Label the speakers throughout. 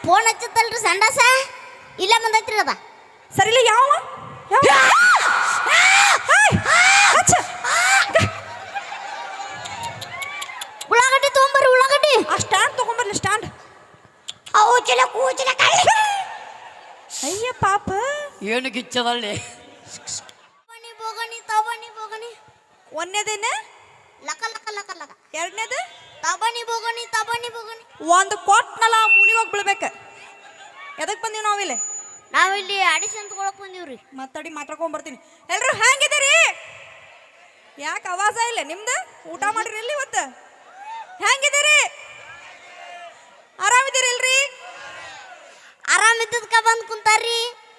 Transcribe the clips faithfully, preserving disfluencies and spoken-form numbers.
Speaker 1: Phone ಹಚ್ಚತ್ತಲ್ರಿ ಸಂಡಾಸ ಇಲ್ಲ ಬಂದೈತ್ರಿ ಅದ
Speaker 2: ಸರಿಲ್ಲ ಯಾವ
Speaker 1: ಉಳ್ಳಾಗಡ್ಡಿ ತೊಗೊಂಬರ್ರಿ ಉಳ್ಳಾಗಡ್ಡಿ
Speaker 2: ಆ ಸ್ಟ್ಯಾಂಡ್ ತಗೊಂಬರ್ಲಿ ಸ್ಟ್ಯಾಂಡ್
Speaker 1: ಅವು ಚಿಲ ಕೂಚಿಲ ಕಳ್ಳಿ
Speaker 2: ಅಯ್ಯ ಪಾಪ
Speaker 3: ಏನು ಗಿಚ್ಚದಲ್ಲಿ
Speaker 1: ಬನಿ ಬೋಗನಿ ತಬನಿ ಬೋಗನಿ
Speaker 2: ಒಂದೇದೇನ
Speaker 1: ಲಕ ಲಕ ಲಕ ಲಕ
Speaker 2: ಎರಡನೇದು
Speaker 1: ತಬನಿ ಬೋಗನಿ ತಬನಿ ಬೋಗನಿ
Speaker 2: ಒಂದು ಕೊಟ್ನಲ್ಲ ಮೂಲಿ ಹೋಗಿ ಬೀಳ್ಬೇಕು ಎದಕ್ಕೆ ಬಂದೀವಿ ನಾವಿಲ್ಲಿ
Speaker 1: ನಾವಿಲ್ಲಿ ಆಡಿಷನ್ ತಗೊಳಕ್ ಬಂದೀವ್ರಿ
Speaker 2: ಮಾತಾಡಿ ಮಾತಾಡ್ಕೊಂಡ್ ಬರ್ತೀನಿ ಎಲ್ರು ಹೆಂಗಿದ್ದೀರಿ ಯಾಕೆ ಆವಾಜ ಇಲ್ಲ ನಿಮ್ದು ಊಟ ಮಾಡಿರಿ ಇಲ್ಲಿ ಇವತ್ತು ಹೆಂಗಿದ್ದೀರಿ ಆರಾಮಿದ್ದೀರಿ ಇಲ್ರಿ
Speaker 1: ಆರಾಮಿದ್ದದ್ಕ ಬಂದ್ ಕುಂತಾರ್ರಿ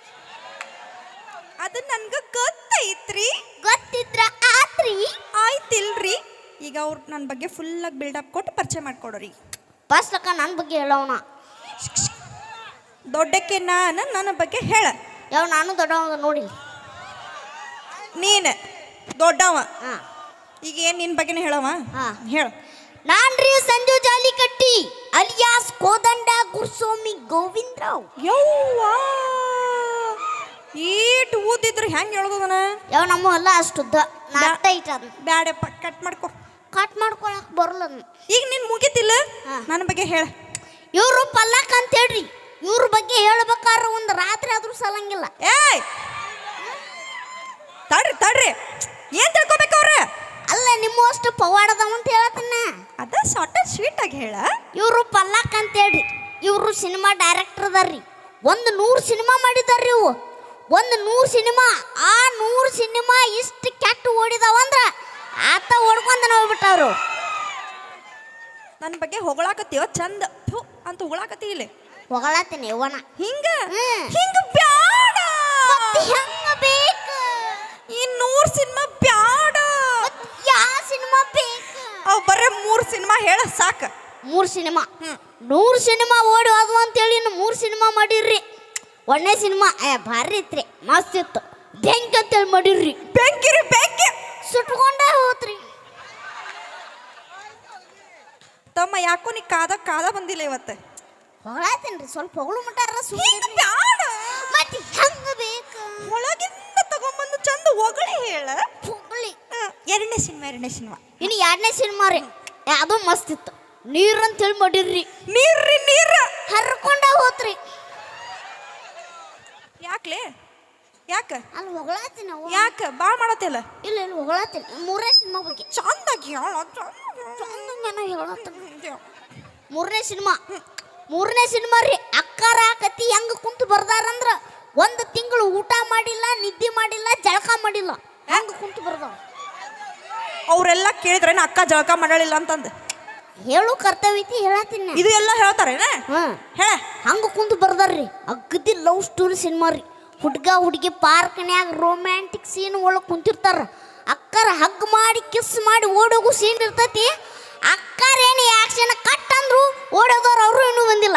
Speaker 2: ಅದು ನನ್ಗೆ ಗೊತ್ತೈತ್ರಿ
Speaker 1: ಗೊತ್ತಿದ್ರ ಆತ್ರಿ
Speaker 2: ಆಯ್ತಿಲ್ರಿ ಈಗ ಅವ್ರು ನನ್ನ ಬಗ್ಗೆ ಫುಲ್ಲಾಗಿ ಬಿಲ್ಡಪ್ ಕೊಟ್ಟು ಪರಿಚಯ ಮಾಡ್ಕೊಡೋರಿ
Speaker 1: ಬಸ್ ಲಕ್ಕ ನನ್ನ ಬಗ್ಗೆ ಹೇಳೋಣ
Speaker 2: ದೊಡ್ಡಕ್ಕೆ ನಾನು ನನ್ನ ಬಗ್ಗೆ ಹೇಳ
Speaker 1: ಯಾವ ನಾನು ದೊಡ್ಡವ ನೋಡಿ
Speaker 2: ನೀನು ದೊಡ್ಡವ
Speaker 1: ಹಾ
Speaker 2: ಈಗ ಏನು ನಿನ್ನ ಬಗ್ಗೆನೇ ಹೇಳವ
Speaker 1: ಹಾ
Speaker 2: ಹೇಳ
Speaker 1: ನಾನ್ರಿ ಸಂಜು ಜಾಲಿಕಟ್ಟಿ ಅಲಿಯಾಸ್ ಕೋದಂಡ ಗುರುಸ್ವಾಮಿ ಗೋವಿಂದರಾವ್
Speaker 2: ಯವ್ವಾ ಈಟ್ ಊದಿದ್ರು ಹೆಂಗೆ ಹೇಳ್ದದನ
Speaker 1: ಯಾವ ನಮ್ಮ ಅಲ್ಲ ಅಷ್ಟುದ್ದ ನಾಟ ಐಟ ಅದ್
Speaker 2: ಬ್ಯಾಡಪ್ಪ ಕಟ್ ಮಾಡ್ಕೊ
Speaker 1: ಕಟ್ ಮಾಡ್ಕೊಳಕ್ ಬರಲ್ಲ ಅದ್ನ.
Speaker 2: ಈಗ ನಿನ್ ಮುಗಿತಿಲ್ಲ
Speaker 1: ಹಾ.
Speaker 2: ನನ್ನ ಬಗ್ಗೆ ಹೇಳ
Speaker 1: ಇವ್ರು ಪಲ್ಲಕ್ ಅಂತ ಹೇಳ್ರಿ ಇವ್ರ ಬಗ್ಗೆ ಹೇಳ್ಬೇಕಾದ್ರೆ ಒಂದು ರಾತ್ರಿ ಆದ್ರೂ ಸಲಂಗಿಲ್ಲ
Speaker 2: ಏಯ್ ತಡ್ರಿ ತಡ್ರಿ ಏನ್ ತಿಳ್ಕೊಬೇಕು ಅವ್ರ
Speaker 1: ಅಲ್ಲ ನಿಮ್ಮ ಅಷ್ಟು ಪವಾಡದವ ಅಂತ ಹೇಳತ್ತನ್ನ
Speaker 2: ಅದ ಶಾರ್ಟ್ ಅಂಡ್ ಸ್ವೀಟ್ ಆಗಿ ಹೇಳ
Speaker 1: ಇವರು ಪಲ್ಲಕ್ ಅಂತ ಹೇಳ್ರಿ ಇವರು ಸಿನಿಮಾ ಡೈರೆಕ್ಟರ್ ಅದಾರ್ರಿ ಒಂದು ನೂರು ಸಿನಿಮಾ ಮಾಡಿದಾರ್ರಿ ಇವು ಒಂದು ನೂರು ಸಿನಿಮಾ ಆ ನೂರು ಸಿನಿಮಾ ಇಷ್ಟು ಕೆಟ್ಟ ಓಡಿದಾವಂದ್ರ ಆತ ಓಡ್ಕೊಂಡ ಹೋಗ್ಬಿಟ್ಟವ್ರು
Speaker 2: ನನ್ನ ಬಗ್ಗೆ ಹೊಗಳಾಕತ್ತೀವ ಚಂದ ಥು ಅಂತ ಹೊಗಳಾಕತ್ತಿ ಇಲ್ಲಿ
Speaker 1: ಹೊಗಳತ್ತೀನಿ ಇವನ
Speaker 2: ಹಿಂಗ
Speaker 1: ಹ್ಮ್.
Speaker 2: ಹಿಂಗ ಬ್ಯಾಡ
Speaker 1: ಹೆಂಗ ಬೇಕು
Speaker 2: ಈ ನೂರ್ ಸಿನಿಮಾ ಬ್ಯಾಡ
Speaker 1: ಯಾವ ಸಿನಿಮಾ ಬೇಕು
Speaker 2: ಅವ್ ಬರೇ ಮೂರ್ ಸಿನಿಮಾ ಹೇಳ ಸಾಕ
Speaker 1: ಮೂರು ಸಿನಿಮಾ
Speaker 2: ಹ್ಮ್
Speaker 1: ನೂರು ಸಿನಿಮಾ ಓಡಿ ಅದು ಅಂತೇಳಿ ಇನ್ನು ಮೂರು ಸಿನಿಮಾ ಮಾಡಿರ್ರಿ ಒಂದೇ ಸಿನಿಮಾ ಏ ಭಾರಿ ಇತ್ರಿ ಮಸ್ತ್ ಇತ್ತು ಬೆಂಕಿ ಅಂತೇಳಿ ಮಾಡಿರ್ರಿ
Speaker 2: ಬೆಂಕಿರಿ ಬೆಂಕಿ
Speaker 1: ಸುಟ್ಕೊಂಡೇ ಹೋತ್ರಿ
Speaker 2: ತಮ್ಮ ಯಾಕೋ ನೀ ಕಾದ ಕಾದ ಬಂದಿಲ್ಲ ಇವತ್ತು
Speaker 1: ಹೊಗಳಾತೇನ್ರಿ ಸ್ವಲ್ಪ ಹೊಗಳು ಮಟ್ಟಾರ
Speaker 2: ಹಿಂಗ ಬ್ಯಾಡ
Speaker 1: ಮತ್ತೆ ಹೆಂಗ ಬೇಕು
Speaker 2: ಒಳಗಿಂದ ತಗೊಂಬಂದು ಚಂದ ಹೊಗಳಿ ಹೇಳ
Speaker 1: ಹೊಗಳಿ
Speaker 2: ಎರಡನೇ ಸಿನಿಮಾ ಎರಡನೇ ಸಿನಿಮಾ
Speaker 1: ಇನ್ನು ಎರಡನೇ ಸಿನಿಮಾ ರೀ ಏ, ಅದು ಮಸ್ತ್ ಇತ್ತು ನೀರು ಅಂತೇಳಿ ಮಾಡಿರ್ರಿ
Speaker 2: ನೀರ್ರಿ ನೀರ
Speaker 1: ಹರ್ಕೊಂಡ ಹೋತ್ರಿ
Speaker 2: ಯಾಕ್ಲೆ ಯಾಕ
Speaker 1: ಅಲ್ಲಿ ಹೊಗಳಾತೀನಿ ನಾವು
Speaker 2: ಯಾಕ ಬಾಳ್ ಮಾಡತ್ತಿಲ್ಲ
Speaker 1: ಇಲ್ಲ ಇಲ್ಲ ಹೊಗಳಾತೀನಿ ಮೂರನೇ ಸಿನಿಮಾ ಬಗ್ಗೆ
Speaker 2: ಚಂದಾಗಿ ಹೇಳ
Speaker 1: ಚಂದಂಗನ ಹೇಳತ್ತ ಮೂರನೇ ಸಿನಿಮಾ ಮೂರನೇ ಸಿನಿಮಾ ರೀ ಅಕ್ಕಾರ ಕತಿ ಹೆಂಗ ಕುಂತು ಬರ್ದಾರಂದ್ರ ಒಂದು ತಿಂಗಳು ಊಟ ಮಾಡಿಲ್ಲ ನಿದ್ದೆ ಮಾಡಿಲ್ಲ ಜಳಕ ಮಾಡಿಲ್ಲ ಹೆಂಗ ಕುಂತು ಬರ್ದಾವ
Speaker 2: ಅವರೆಲ್ಲ ಕೇಳಿದ್ರೇನ ಅಕ್ಕ ಜಳಕ ಮಾಡಲಿಲ್ಲ ಅಂತಂದು
Speaker 1: ಹೇಳು ಕರ್ತವ್ಯ ಐತಿ ಹೇಳತ್ತೀನಿ
Speaker 2: ಇದು ಎಲ್ಲ ಹೇಳ್ತಾರೇನ
Speaker 1: ಹ್ಮ್
Speaker 2: ಹೇಳ
Speaker 1: ಹಂಗ ಕುಂತು ಬರ್ದಾರ್ರಿ ಅಗ್ದಿ ಲವ್ ಸ್ಟೋರಿ ಸಿನಿಮಾ ರೀ ಹುಡ್ಗ ಹುಡುಗಿ ಪಾರ್ಕ್ನ್ಯಾಗ ರೊಮ್ಯಾಂಟಿಕ್ ಸೀನ್ ಒಳಗೆ ಕುಂತಿರ್ತಾರ ಅಕ್ಕರ ಹಗ್ ಮಾಡಿ ಕಿಸ್ ಮಾಡಿ ಓಡೋಗು ಸೀನ್ ಇರ್ತೈತಿ ಅಕ್ಕರ ಏನು ಆಕ್ಷನ್ ಕಟ್ ಅಂದ್ರು ಓಡೋದವ್ರು ಅವರು ಇನ್ನೂ ಬಂದಿಲ್ಲ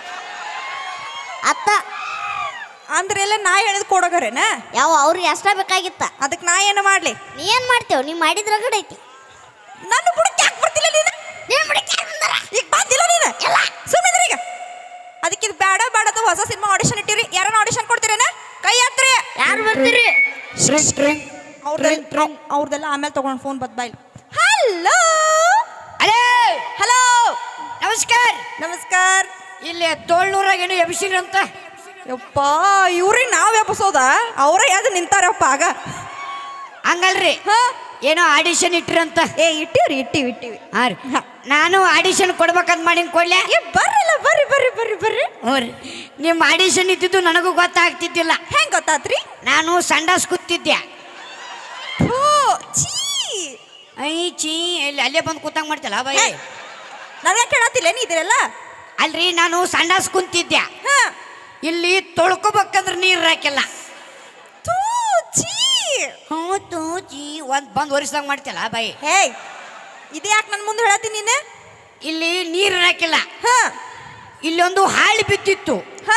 Speaker 1: ಅತ್ತ
Speaker 2: ಅಂದ್ರೆ ಎಲ್ಲ ನಾ ಹೇಳಿದ್ ಕೊಡೋಗರೇನ
Speaker 1: ಯಾವ ಅವ್ರಿಗೆ ಅಷ್ಟ ಬೇಕಾಗಿತ್ತ
Speaker 2: ಅದಕ್ಕೆ ನಾ ಏನು ಮಾಡ್ಲಿ
Speaker 1: ನೀ ಏನ್ ಮಾಡ್ತೇವ ನೀ ಮಾಡಿದ್ರ ಗಡ ಐತಿ
Speaker 2: ನನ್ನ ಬುಡಕ್ಕೆ ಯಾಕೆ ಬರ್ತಿಲ್ಲ ನೀನು
Speaker 1: ನೀನ್ ಬಿಡಕ್ಕೆ ಯಾರ್ ಬಂದಾರ?
Speaker 2: ಈಗ ಬಂದಿಲ್ಲ ನೀನು
Speaker 1: ಇಲ್ಲ.
Speaker 2: ಸುಮ್ಮನೆ ಈಗ ಅದಕ್ಕೆ ಇದು ಬೇಡ ಬೇಡ ಅಂತ ಹೊಸ ಸಿನಿಮಾ ಆಡಿಷನ್ ಇಟ್ಟಿರಿ ಯಾರನ್ನ ಆಡಿಷನ್ ಕೊಡ್ತೀರೇನ ಕೈ ಹತ್ರಿ
Speaker 1: ಯಾರು ಬರ್ತೀರಿ
Speaker 2: ಅವ್ರದೆಲ್ಲ ಅವ್ರದೆಲ್ಲ ಆಮೇಲೆ ತಗೊಂಡು ಫೋನ್ ಬದ್ ಬಾಯ್ ಹಲೋ
Speaker 3: ಅಲೇ
Speaker 2: ಹಲೋ
Speaker 3: ನಮಸ್ಕಾರ
Speaker 2: ನಮಸ್ಕಾರ
Speaker 3: ಇಲ್ಲಿ ತೋಳ್ನೂರಾಗ ಏನು ಎಬ್ಸಿರಿ ಅಂತ
Speaker 2: ಯಪ್ಪ ಇವ್ರಿಗೆ ನಾವ್ ಎಬ್ಸೋದ ಅವರೇ ಯಾವ್ದು ನಿಂತಾರಪ್ಪ ಆಗ
Speaker 3: ಹಂಗಲ್ರಿ
Speaker 2: ಹಾ
Speaker 3: ಏನೋ ಆಡಿಷನ್ ಇಟ್ಟಿರಂತ
Speaker 2: ಏ ಇಟ್ಟಿವ್ರಿ ಇಟ್ಟಿವಿ ಇಟ್ಟಿವಿ
Speaker 3: ಹಾಂ ರೀ ನಾನು ಆಡಿಷನ್ ಕೊಡ್ಬೇಕಂತ ಮಾಡಿ ಕೊಡ್ಲೆ
Speaker 2: ಏ ಬರ್ರಲ್ಲ ಬರ್ರಿ ಬರ್ರಿ ಬರ್ರಿ ಬರ್ರಿ
Speaker 3: ಹ್ಞೂ ರೀ ನಿಮ್ಮ ಆಡಿಷನ್ ಇದ್ದಿದ್ದು ನನಗೂ ಗೊತ್ತಾಗ್ತಿದ್ದಿಲ್ಲ
Speaker 2: ಹೆಂಗ್ ಗೊತ್ತಾತ್ರಿ
Speaker 3: ನಾನು ಸಂಡಾಸ್ ಕೂತಿದ್ದೆ
Speaker 2: ಥೂ, ಛೀ
Speaker 3: ಐ ಚೀ ಇಲ್ಲಿ ಅಲ್ಲೇ ಬಂದು ಕೂತಂಗ್ ಮಾಡ್ತಲ್ಲ ಬಾಯ್
Speaker 2: ಹೇ, ನನಗೆ ಕೇಳತ್ತಿಲ್ಲ ನೀ ಇದಿರಲ್ಲ
Speaker 3: ಅಲ್ರಿ ನಾನು ಸಂಡಾಸ್ ಕುಂತಿದ್ದೆ
Speaker 2: ಹಾ
Speaker 3: ಇಲ್ಲಿ ತೊಳ್ಕೊಬೇಕಂದ್ರೆ ನೀರು ಹಾಕಿಲ್ಲ
Speaker 2: ಥೂ, ಛೀ
Speaker 3: ಹ್ಞೂ ತೂ ಚೀ ಒಂದು ಬಂದು ಒರಿಸ್ದಂಗೆ ಮಾಡ್ತಲ್ಲ ಬಾಯಿ
Speaker 2: ಹೇ ಇದು ಯಾಕೆ ನನ್ನ ಮುಂದೆ ಹೇಳತ್ತೀನಿ ನೀನು
Speaker 3: ಇಲ್ಲಿ ನೀರು ಹಾಕಿಲ್ಲ
Speaker 2: ಹಾ
Speaker 3: ಇಲ್ಲೊಂದು ಹಾಳಿ ಬಿದ್ದಿತ್ತು
Speaker 2: ಹಾ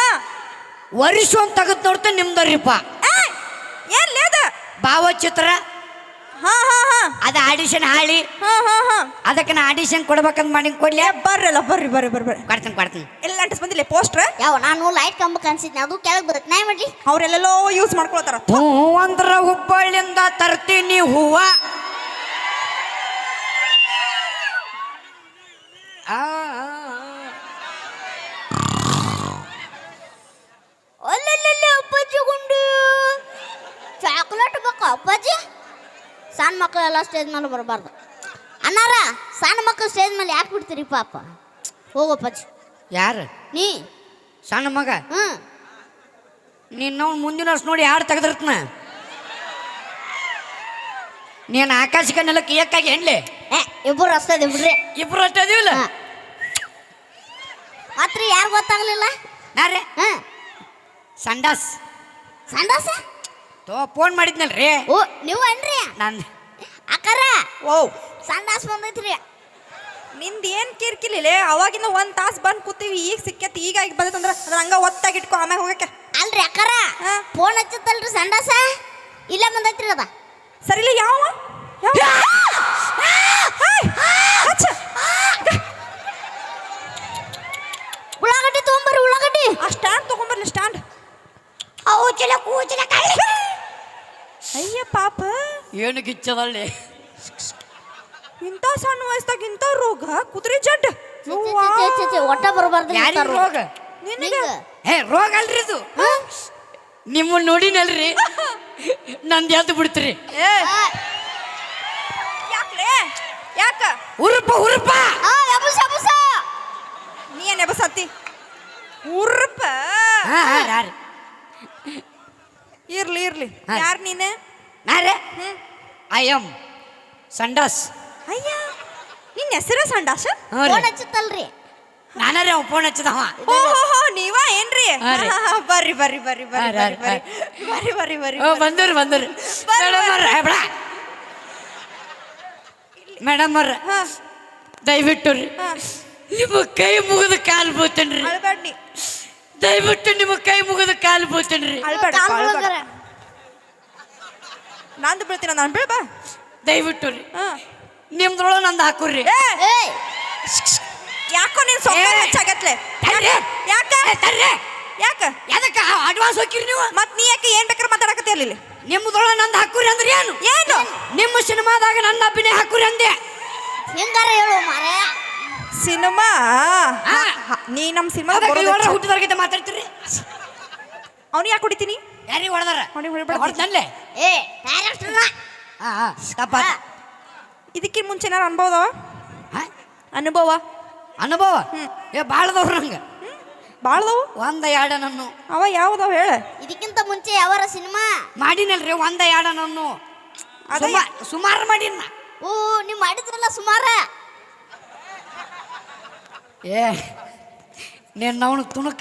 Speaker 3: ವರ್ಷ ಒಂದು ತೆಗೆದು ನೋಡ್ತಾ ನಿಮ್ದರಿಪ್ಪ
Speaker 2: ಏ ಏನ್ ಲೇದ
Speaker 3: ಭಾವಚಿತ್ರ
Speaker 2: ಹಾ ಹಾ ಹಾ
Speaker 3: ಅದ ಆಡಿಷನ್ ಹಾಳಿ
Speaker 2: ಹಾ ಹಾ ಹಾ
Speaker 3: ಅದಕ್ಕೆ ನಾ ಆಡಿಷನ್ ಕೊಡ್ಬೇಕಂತ ಮಾಡಿ ಕೊಡ್ಲಿ
Speaker 2: ಏ ಬರ್ರಲ್ಲ ಬರ್ರಿ ಬರ್ರಿ ಬರ್ರಿ ಬರ್ರಿ
Speaker 3: ಕೊಡ್ತೀನಿ ಕೊಡ್ತೀನಿ
Speaker 2: ಎಲ್ಲ ಅಂಟಿಸ್ ಬಂದಿಲ್ಲ ಪೋಸ್ಟ್ರ್
Speaker 1: ಯಾವ ನಾನು ಲೈಟ್ ಕಂಬ ಕಾಣಿಸಿದ್ನಿ ಅದು ಕೆಳಗೆ ಬರುತ್ತೆ ನಾ ಮಾಡ್ಲಿ
Speaker 2: ಅವ್ರೆಲ್ಲೆಲ್ಲೋ ಯೂಸ್ ಮಾಡ್ಕೊಳತಾರ
Speaker 3: ಹೂ ಅಂದ್ರ ಹುಬ್ಬಳ್ಳಿಂದ ತರ್ತೀನಿ ಹೂವ ಆ, ಆ, ಆ.
Speaker 1: ಅಲ್ಲಲ್ಲಿ ಅಪ್ಪಾಜಿ ಗುಂಡು ಚಾಕ್ಲೇಟ್ ಬೇಕಾ ಅಪ್ಪಾಜಿ ಸಣ್ಣ ಮಕ್ಕಳೆಲ್ಲ ಸ್ಟೇಜ್ ಮೇಲೆ ಬರಬಾರ್ದು ಅನ್ನಾರ ಸಣ್ಣ ಮಕ್ಕಳು ಸ್ಟೇಜ್ ಮೇಲೆ ಯಾಕೆ ಬಿಡ್ತೀರಿ ಪಾಪ ಹೋಗಪ್ಪಾಜಿ
Speaker 3: ಯಾರು
Speaker 1: ನೀ
Speaker 3: ಸಣ್ಣ ಮಗ
Speaker 1: ಹ್ಞೂ
Speaker 3: ನಿನ್ನ ಮುಂದಿನ ವರ್ಷ ನೋಡಿ ಯಾರು ತೆಗೆದಿರ್ತನ ನೀನು ಆಕಾಶಕ್ಕೆ ನೆಲಕ್ಕೆ ಏಕಾಗಿ ಹೆಣ್ಲೆ
Speaker 1: ಏ ಇಬ್ಬರು ಅಷ್ಟೇ ಬಿಡ್ರಿ
Speaker 3: ಇಬ್ರು ಅಷ್ಟೇ ಅದೀವಿಲ್ಲ
Speaker 1: ಮಾತ್ರ ಯಾರು ಗೊತ್ತಾಗ್ಲಿಲ್ಲ
Speaker 3: ನಾರೇ
Speaker 1: ಹಾಂ
Speaker 3: ಸಂಡಾಸ್
Speaker 1: ಸಂಡಾಸ
Speaker 3: ತೋ ಫೋನ್ ಮಾಡಿದ್ನಲ್ರಿ
Speaker 1: ಓ ನೀವು ಅನ್ರಿ
Speaker 3: ನಾನು
Speaker 1: ಅಕ್ಕಾರ
Speaker 2: ಓ
Speaker 1: ಸಂಡಾಸ್ ಬಂದೈತ್ರಿ
Speaker 2: ನಿಂದ ಏನ್ ಕಿರ್ಕಿಲಿಲ್ಲ ಅವಾಗಿಂದ ಒಂದ್ ತಾಸ್ ಬಂದ್ ಕೂತೀವಿ ಈಗ ಸಿಕ್ಕೈತಿ ಈಗ ಈಗ ಬಂದೈತಂದ್ರ ಅದ್ರ ಹಂಗ ಒತ್ತಾಗಿ ಇಟ್ಕೊ ಆಮ್ಯಾಗ ಹೋಗಕ್ಕೆ
Speaker 1: ಅಲ್ರಿ ಅಕ್ಕಾರ
Speaker 2: ಹಾ.
Speaker 1: ಫೋನ್ ಹಚ್ಚತ್ತಲ್ರಿ ಸಂಡಾಸ ಇಲ್ಲೇ ಬಂದೈತ್ರಿ ಅದ
Speaker 2: ಸರಿಲ್ಲ ಯಾವ ಯಾವ? ಹೇಯ್! ಹಚ್ಚ.
Speaker 1: ಉಳ್ಳಾಗಡ್ಡಿ ತೊಗೊಂಬರ್ರಿ ಉಳ್ಳಾಗಡ್ಡಿ
Speaker 2: ಆ ಸ್ಟ್ಯಾಂಡ್ ತಗೊಂಬರ್ಲಿ ಸ್ಟ್ಯಾಂಡ್
Speaker 3: ಕೂಚಲ ಕೂಚಲ
Speaker 2: ಅಯ್ಯ ಪಾಪ
Speaker 3: ಏನು ಗಿಚ್ಚದಲ್ಲಿ
Speaker 2: ಇಂಥ ಸಣ್ಣ ವಯಸ್ಸಾಗ ಇಂಥ ರೋಗ ಕುದುರೆ ಜಡ್
Speaker 1: ಒಟ್ಟ ಬರಬಾರ್ದು
Speaker 3: ಯಾರಿಗ ರೋಗ
Speaker 2: ನಿನಗೆ
Speaker 3: ಹೇ ರೋಗ ಅಲ್ರಿ ಇದು ನಿಮ್ಮನ್ನ ನೋಡಿನಲ್ರಿ ನಂದು ಎದ್ದು ಬಿಡ್ತೀರಿ
Speaker 2: ಏ ಯಾಕ್ಲೆ ಯಾಕ
Speaker 3: ಹುರುಪ ಹುರುಪ
Speaker 1: ಎಬುಸ ಎಬುಸ
Speaker 2: ನೀ ಏನ್ ಎಬಸತ್ತಿ ಉರ್ಪ
Speaker 3: ಹಾ ಹಾ ಯಾರು
Speaker 2: ಇರ್ಲಿ ಇರ್ಲಿ
Speaker 3: ಹಾ.
Speaker 2: ಯಾರ್ ನೀನೆ
Speaker 3: ನಾರೇ
Speaker 2: ಹ್ಮ್
Speaker 3: ಐ ಎಮ್ ಸಂಡಾಸ್
Speaker 2: ಅಯ್ಯ ನಿನ್ನ ಹೆಸರ ಸಂಡಾಸ
Speaker 3: ಹ್ಞೂ ರೀ
Speaker 1: ಫೋನ್ ಹಚ್ಚತ್ತಲ್ರಿ
Speaker 3: ನಾನರೇ ಅವ ಫೋನ್ ಹಚ್ಚದವ
Speaker 2: ಓ ಹೋ ಹೋ ನೀವ ಏನ್ರಿ
Speaker 3: ಹಾ ರೀ.
Speaker 2: ಹಾ, ಹಾ, ಬರ್ರಿ ಬರ್ರಿ ಬರ್ರಿ ಬರ್ರಿ
Speaker 3: ಹಾ,
Speaker 2: ಬರ್ರಿ
Speaker 3: ಹಾ,
Speaker 2: ಬರ್ರಿ ಬರ್ರಿ ಬರ್ರಿ
Speaker 3: ಓ ಬಂದರು ಬಂದರು ಮೇಡಮ್ ಅವ್ರ ಬೇಡ ಮೇಡಮ್ ಅವ್ರ
Speaker 2: ಹಾ
Speaker 3: ದಯವಿಟ್ಟು ರೀ
Speaker 2: ಹಾ
Speaker 3: ನಿಮ್ಮ ಕೈ ಮುಗಿದು ಕಾಲು ಬೀಳ್ತೇನ್ರಿ
Speaker 2: ಅಳ್ಬೇಡ್ನಿ
Speaker 3: ದಯವಿಟ್ಟು ನಿಮ್ಮ ಕೈ ಮುಗಿದು ಕಾಲು ಬೀಳ್ತೇನ್ರಿ
Speaker 2: ಅಳ್ಬೇಡ
Speaker 1: ಕಾಲ್
Speaker 2: ಅಳ್ಬೇಡ
Speaker 1: ಮುಳುಗರ.
Speaker 2: ನಂದು ಬೀಳ್ತೀನ ನಾನು ಬೀಳ್ಬ
Speaker 3: ದಯವಿಟ್ಟು ರೀ
Speaker 2: ಹಾ
Speaker 3: ನಿಮ್ದ್ರೊಳಗೆ ನಂದು ಹಾಕುರ್ರಿ
Speaker 2: ಏ
Speaker 1: ಏಯ್
Speaker 2: ಯಾಕೋ ನೀನ್ ಸೊಕ್ಕ
Speaker 3: ಏ.
Speaker 2: ಹೆಚ್ಚಾಗತ್ಲೆ
Speaker 3: ತರ್ರಿ.
Speaker 2: ಯಾಕ
Speaker 3: ಏ, ತರ್ರಿ
Speaker 2: ಯಾಕ
Speaker 3: ಎದಕ್ಕೆ ಅಡ್ವಾನ್ಸ್ ಹೋಗಿರಿ ನೀವು
Speaker 2: ಮತ್ ನೀ ಯಾಕೆ ಏನ್ ಬೇಕಾದ್ರೆ ಮಾತಾಡಕತ್ತಿ ಅಲ್ಲಿ
Speaker 3: ನಿಮ್ದ್ರೊಳಗೆ ನಂದು ಹಾಕುರಿ ಅಂದ್ರೆ ಏನು
Speaker 2: ಏನು
Speaker 3: ನಿಮ್ಮ ಸಿನಿಮಾದಾಗ ನನ್ನ ಅಭಿನಯ ಹಾಕುರಿ ಅಂದೆ
Speaker 1: ಹೆಂಗಾರ ಹೇಳು ಮಾರೇ
Speaker 2: ಸಿನಿಮಾ
Speaker 3: ಹಾ.
Speaker 2: ನೀ ನಮ್ ಸಿನಿಮಾ
Speaker 3: ಹುಟ್ಟಿದವ್ರಿಗೆ ಮಾತಾಡ್ತೀರಿ
Speaker 2: ಅವ್ನು ಯಾಕೆ ಹೊಡಿತೀನಿ
Speaker 3: ಯಾರಿಗೆ ಹೊಡೆದಾರ
Speaker 2: ಅವ್ನಿಗೆ ಹೊಡಿಬೇಡ.
Speaker 3: ಹೊಡೆದಲ್ಲೇ
Speaker 1: ಏ ಡೈರೆಕ್ಟರ್ನ
Speaker 3: ಹಾ ಹಾ ತಪ್ಪ
Speaker 2: ಇದಕ್ಕಿಂತ ಮುಂಚೆ ಏನಾರು ಅನುಭವ
Speaker 3: ಹಾ?
Speaker 2: ಅನುಭವ
Speaker 3: ಅನುಭವ ಏ ಭಾಳದವ್ರು ನಂಗೆ
Speaker 2: ಬಾಳ್ದವು
Speaker 3: ಒಂದ ಎರಡ ನನ್ನು
Speaker 2: ಅವ ಯಾವ್ದವ ಹೇಳ
Speaker 1: ಇದಕ್ಕಿಂತ ಮುಂಚೆ ಯಾವಾರ ಸಿನಿಮಾ
Speaker 3: ಮಾಡಿನಲ್ರಿ ಒಂದ ಎರಡ ನನ್ನು
Speaker 2: ಅದೇ.
Speaker 3: ಸುಮಾರು ಮಾಡಿನ
Speaker 1: ಓ ನೀವು ಮಾಡಿದ್ರಲ್ಲ ಸುಮಾರ
Speaker 3: ಏ ನೀನು ಅವನು ತುಣುಕ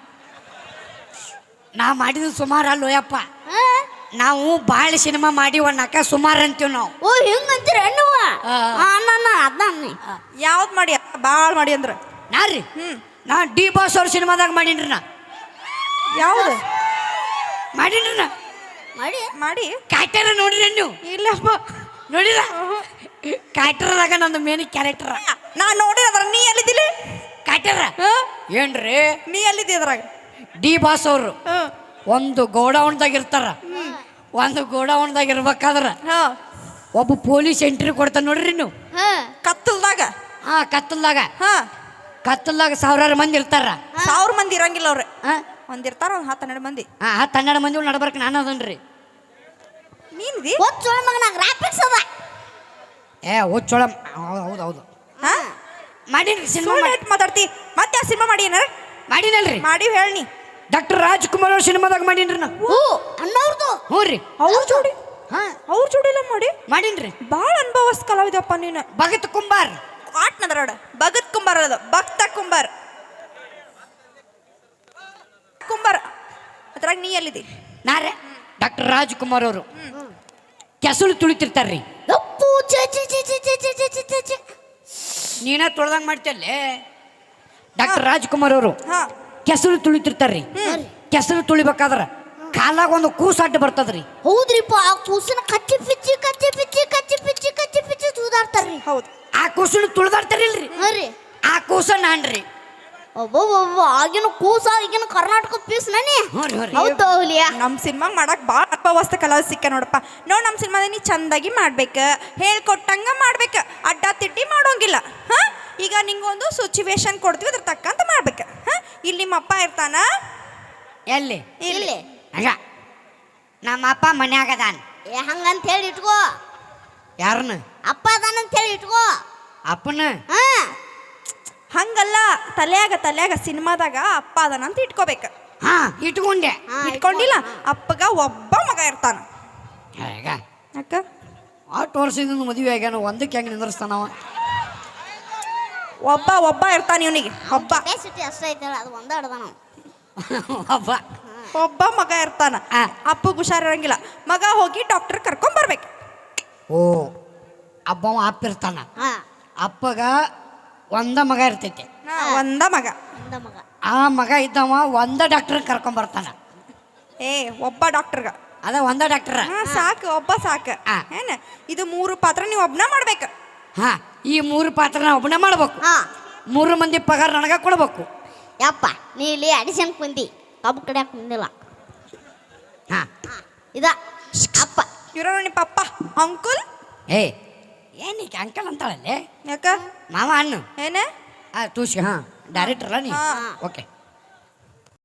Speaker 3: ನಾ ಮಾಡಿದ ಸುಮಾರು ಅಲ್ಲೋಯಪ್ಪ
Speaker 1: ಹಾ?
Speaker 3: ನಾವು ಭಾಳ ಸಿನಿಮಾ ಮಾಡಿವಣ್ಣಕ್ಕ ಸುಮಾರು ಅಂತೀವಿ ನಾವು
Speaker 1: ಓ ಹಿಂಗಂತೀರ ಹೆಣ್ಣುವ
Speaker 3: ಆ.
Speaker 1: ಅನ್ನ ಅದ್ನ
Speaker 2: ಯಾವ್ದು ಮಾಡಿ ಬಾಳ್ ಮಾಡಿ ಅಂದ್ರ
Speaker 3: ನಾ ರೀ
Speaker 2: ಹ್ಮ್
Speaker 3: ನಾ ಡಿ ಬಾಸ್ ಅವ್ರ ಸಿನಿಮಾದಾಗ ಮಾಡೀನ್ರಿ ನಾ
Speaker 2: ಯಾವ್ದು
Speaker 3: ಮಾಡೀನ್ರಿ ನಾ
Speaker 1: ಮಾಡಿ
Speaker 2: ಮಾಡಿ
Speaker 3: ಕ್ಯಾರೆಕ್ಟರ್ ನೋಡಿರಿ ನೀವು
Speaker 2: ಇಲ್ಲಪ್ಪ
Speaker 3: ನೋಡಿಲ್ಲ ಕ್ಯಾರೆಕ್ಟರ್ದಾಗ ನಂದು ಮೇನ್ ಕ್ಯಾರೆಕ್ಟರ್
Speaker 2: ನಾ ನೋಡಿದ್ರ ನೀ ಎಲ್ಲಿದ್ದಿಲ್ಲ
Speaker 3: ಕ್ಯಾರೆಕ್ಟರ್ ಏನ್ರಿ
Speaker 2: ನೀ ಎಲ್ಲಿದ್ದಿ ಅದ್ರಾಗ
Speaker 3: ಡಿ ಬಾಸ್ ಅವರು
Speaker 2: ಹಾ
Speaker 3: ಒಂದು ಗೋಡೌನ್ದಾಗ ಇರ್ತಾರ ಒಂದು ಗೋಡೌನ್ದಾಗ ಇರ್ಬೇಕಾದ್ರ
Speaker 2: ಹಾ
Speaker 3: ಒಬ್ಬ ಪೊಲೀಸ್ ಎಂಟ್ರಿ ಕೊಡ್ತಾನ ನೋಡ್ರಿ ನೀವು
Speaker 1: ಹಾ
Speaker 2: ಕತ್ತಲ್ದಾಗ
Speaker 3: ಹಾ ಕತ್ತಲ್ದಾಗ
Speaker 2: ಹಾ
Speaker 3: ಕತ್ತಲ್ದಾಗ ಸಾವಿರಾರು ಮಂದಿ ಇರ್ತಾರ
Speaker 2: ಸಾವಿರ ಮಂದಿ ಇರಂಗಿಲ್ಲ ಅವ್ರೆ
Speaker 3: ಹಾ
Speaker 2: ಒಂದ್ ಇರ್ತಾರ ಒಂದ್ ಹತ್ತು ಹನ್ನೆರಡು ಮಂದಿ
Speaker 3: ಹಾ ಹತ್ತು ಹನ್ನೆರಡು ಮಂದಿ ನಡ್ಬರ್ಕ ನಾನು ಅದನ್ರಿ
Speaker 2: ನೀನ್ದಿ
Speaker 1: ಒಚ್ಚೊಳ ಮಗನ ಗ್ರಾಫಿಕ್ಸ್ ಅದ
Speaker 3: ಏ ಹುಚ್ಚೊಳ ಹೌದು ಹೌದು
Speaker 2: ಹಾ
Speaker 3: ಮಾಡೀನ್ರಿ ಸಿನಿಮಾ
Speaker 2: ಸುಳ್ಳು ಇಟ್ ಮಾತಾಡ್ತಿ ಮತ್ತೆ ಆ ಸಿನಿಮಾ ಮಾಡಿ ಏನಾರ
Speaker 3: ಮಾಡೀನಲ್ರಿ
Speaker 2: ಮಾಡಿ ಹೇಳಿ
Speaker 3: ಡಾಕ್ಟರ್ ರಾಜ್ಕುಮಾರ್ ಅವ್ರ ಸಿನಿಮಾದಾಗ ಮಾಡೀನ್ರಿ ನಾ
Speaker 1: ಓ ಅಣ್ಣವ್ರದು
Speaker 3: ಹ್ಞೂ ರೀ
Speaker 2: ಅವ್ರ ಜೋಡಿ
Speaker 3: ಹಾ
Speaker 2: ಅವ್ರ ಜೋಡಿ ಎಲ್ಲ ಮಾಡಿ
Speaker 3: ಮಾಡೀನ್ರಿ
Speaker 2: ಬಾಳ ಅನುಭವಸ್ ಕಲಾವಿದಪ್ಪ ನೀನು
Speaker 3: ಭಗತ್ ಕುಂಬಾರ್
Speaker 2: ಆಟ್ ನದರಾಡ ಭಗತ್ ಕುಂಬಾರ್ ಅದ ಭಕ್ತ ಕುಂಬಾರ್ ಕುಂಬಾರ್ ಅದ್ರಾಗ ನೀ ಎಲ್ಲಿದಿ
Speaker 3: ನಾರೇ ಡಾಕ್ಟರ್ ರಾಜ್ಕುಮಾರ್ ಅವರು ಕೆಸಲು ತುಳಿತಿರ್ತಾರ್ರಿ
Speaker 1: ಯಪ್ಪು ಛೆ ಛೆ ಛೆ ಛೆ ಛೆ ಛೆ ಛೆ ಛೆ ಛೆ ಛೆ.
Speaker 3: ನೀನ ತೊಳ್ದಂಗೆ ಮಾಡ್ತಲ್ಲೇ ಡಾಕ್ಟರ್ ರಾಜ್ಕುಮಾರ್ ಅವರು
Speaker 2: ಹಾ
Speaker 3: ಕೆಸರು ತುಳಿತಿರ್ತಾರ್ರಿ ಕೆಸರು ತುಳಿಬೇಕಾದ್ರ ಕಾಲಾಗ ಒಂದು ಕೂಸು ಅಡ್ಡ ಬರ್ತದ್ರಿ.
Speaker 1: ಹೌದ್ರಿಪ್ಪ ಆ ಕೂಸಿನ ಕಚ್ಚಿ ಪಿಚ್ಚಿ ಕಚ್ಚಿ ಪಿಚ್ಚಿ ಕಚ್ಚಿ ಪಿಚ್ಚಿ ಕಚ್ಚಿ ಪಿಚ್ಚಿ ತೂದಾಡ್ತಾರ್ರಿ.
Speaker 2: ಹೌದು.
Speaker 3: ಆ ಕೂಸನ್ನು ತುಳ್ದಾಡ್ತಾರಿಲ್ರಿ,
Speaker 1: ಹಾ ರೀ.
Speaker 3: ಆ ಕೂಸ ನಾನ್ರಿ.
Speaker 1: ಒಬ್ಬೊಬ್ಬ ಆಗಿನ ಕೂಸ ಈಗಿನ ಕರ್ನಾಟಕ ಪೀಸ್ ನನಿ.
Speaker 3: ಹ್ಞೂ ರೀ, ಹ್ಞೂ ರೀ.
Speaker 1: ಹೌದು ಹುಲಿಯ.
Speaker 2: ನಮ್ಮ ಸಿನಿಮಾಗ ಮಾಡಕ್ ಭಾಳ ಅಲ್ಪವಸ್ತ ಕಲಾವಿದ ಸಿಕ್ಕ ನೋಡಪ್ಪ. ನೋಡ್ ನಮ್ಮ ಸಿನಿಮಾದ ನೀ ಚಂದಾಗಿ ಮಾಡ್ಬೇಕು, ಹೇಳ್ಕೊಟ್ಟಂಗ ಮಾಡ್ಬೇಕು, ಅಡ್ಡ ತಿಡ್ಡಿ ಮಾಡೋಂಗಿಲ್ಲ. ಹಾ ಈಗ ನಿಂಗೊಂದು ಸಿಚುವೇಶನ್ ಕೊಡ್ತೀವಿ, ಅದ್ರ ತಕ್ಕಂತ ಮಾಡ್ಬೇಕು. ಹಾ ಇಲ್ಲಿ ನಿಮ್ಮ ಅಪ್ಪ ಇರ್ತಾನ.
Speaker 3: ಎಲ್ಲಿ?
Speaker 1: ಇಲ್ಲಿ
Speaker 3: ಹಂಗ ನಮ್ಮ ಅಪ್ಪ ಮನ್ಯಾಗ ಅದಾನ.
Speaker 1: ಏ ಹಂಗಂತ ಹೇಳಿ ಇಟ್ಕೋ.
Speaker 3: ಯಾರನ್ನ?
Speaker 1: ಅಪ್ಪ ಅದಾನಂತ ಹೇಳಿ ಇಟ್ಕೋ.
Speaker 3: ಅಪ್ಪನ?
Speaker 1: ಹಾ
Speaker 2: ಹಂಗಲ್ಲ, ತಲ್ಯಾಗ ತಲ್ಯಾಗ ಸಿನಿಮಾದಾಗ ಅಪ್ಪ ಅದಾನ ಅಂತ ಇಟ್ಕೋಬೇಕು.
Speaker 3: ಹಾ ಇಟ್ಕೊಂಡೆ.
Speaker 1: ಹಾ,
Speaker 2: ಇಟ್ಕೊಂಡಿಲ್ಲ.
Speaker 1: ಇಟ್ಕೋ.
Speaker 2: ಅಪ್ಪಗ ಒಬ್ಬ ಮಗ ಇರ್ತಾನ.
Speaker 3: ಈಗ
Speaker 2: ಅಕ್ಕ
Speaker 3: ಆಟು ವರ್ಷದಿಂದ ಮದುವೆ ಆಗ್ಯಾನ, ಒಂದಕ್ಕೆ ಹೆಂಗೆ ನಿಂದ್ರಸ್ತಾನವ?
Speaker 2: ಒಬ್ಬ ಒಬ್ಬ ಇರ್ತಾನ ಇವನಿಗೆ. ಒಬ್ಬ
Speaker 1: ಕೆಪಾಸಿಟಿ ಅಷ್ಟೇ ಐತಲ್ಲ, ಅದು ಒಂದ ಅಡ್ದ ನಾವು.
Speaker 3: ಅಬ್ಬ
Speaker 2: ಒಬ್ಬ ಮಗ ಇರ್ತಾನ.
Speaker 3: ಆ.
Speaker 2: ಅಪ್ಪಗೆ ಹುಷಾರಿರಂಗಿಲ್ಲ. ಮಗ ಹೋಗಿ ಡಾಕ್ಟರ್ ಕರ್ಕೊಂಡ್ ಬರ್ಬೇಕು.
Speaker 3: ಓ ಅಬ್ಬವ ಅಪ್ಪ ಇರ್ತಾನ.
Speaker 1: ಹಾ
Speaker 3: ಅಪ್ಪಗ ಒಂದ ಮಗ ಇರ್ತೈತಿ.
Speaker 2: ಹಾ, ಒಂದ ಮಗ.
Speaker 1: ಒಂದ ಮಗ.
Speaker 3: ಆ ಮಗ ಇದ್ದವ ಒಂದ ಡಾಕ್ಟರ್ ಕರ್ಕೊಂಡ್ ಬರ್ತಾನ.
Speaker 2: ಏ ಒಬ್ಬ ಡಾಕ್ಟರ್ಗ.
Speaker 3: ಅದ ಒಂದ ಡಾಕ್ಟರ್.
Speaker 2: ಹಾ ಸಾಕು, ಒಬ್ಬ ಸಾಕು.
Speaker 3: ಆ.
Speaker 2: ಏನ ಇದು ಮೂರು ಪಾತ್ರ ನೀವು ಒಬ್ನ ಮಾಡ್ಬೇಕು.
Speaker 3: ಹಾ ಈ ಮೂರು ಪಾತ್ರ ನಾ ಒಬ್ಬನೇ ಮಾಡ್ಬೇಕು.
Speaker 1: ಹಾ
Speaker 3: ಮೂರು ಮಂದಿ ಪಗಾರ ನನಗ ಕೊಡ್ಬೇಕು.
Speaker 1: ಯಪ್ಪ ನೀ ಇಲ್ಲಿ ಅಡಿಷನ್ ಕುಂದಿ, ಕಬ್ಬು ಕಡಿಯಾಕ ಕುಂದಿಲ್ಲ.
Speaker 3: ಹಾ
Speaker 1: ಹಾ ಇದ ಅಪ್ಪ.
Speaker 2: ಇವ್ರ ನಿಮ್ಮ ಪಪ್ಪ ಅಂಕುಲ್.
Speaker 3: ಏ ಏನಕ್ಕೆ ಅಂಕಲ್ ಅಂತಾಳಲ್ಲೇ?
Speaker 2: ಯಾಕ
Speaker 3: ಮಾವ ಅನ್ನು
Speaker 2: ಏನ
Speaker 3: ಆ ತೂಸಿ. ಹಾ ಡೈರೆಕ್ಟರ್ ಅಲ್ಲ ನೀ?
Speaker 2: ಹಾ.
Speaker 3: ಓಕೆ.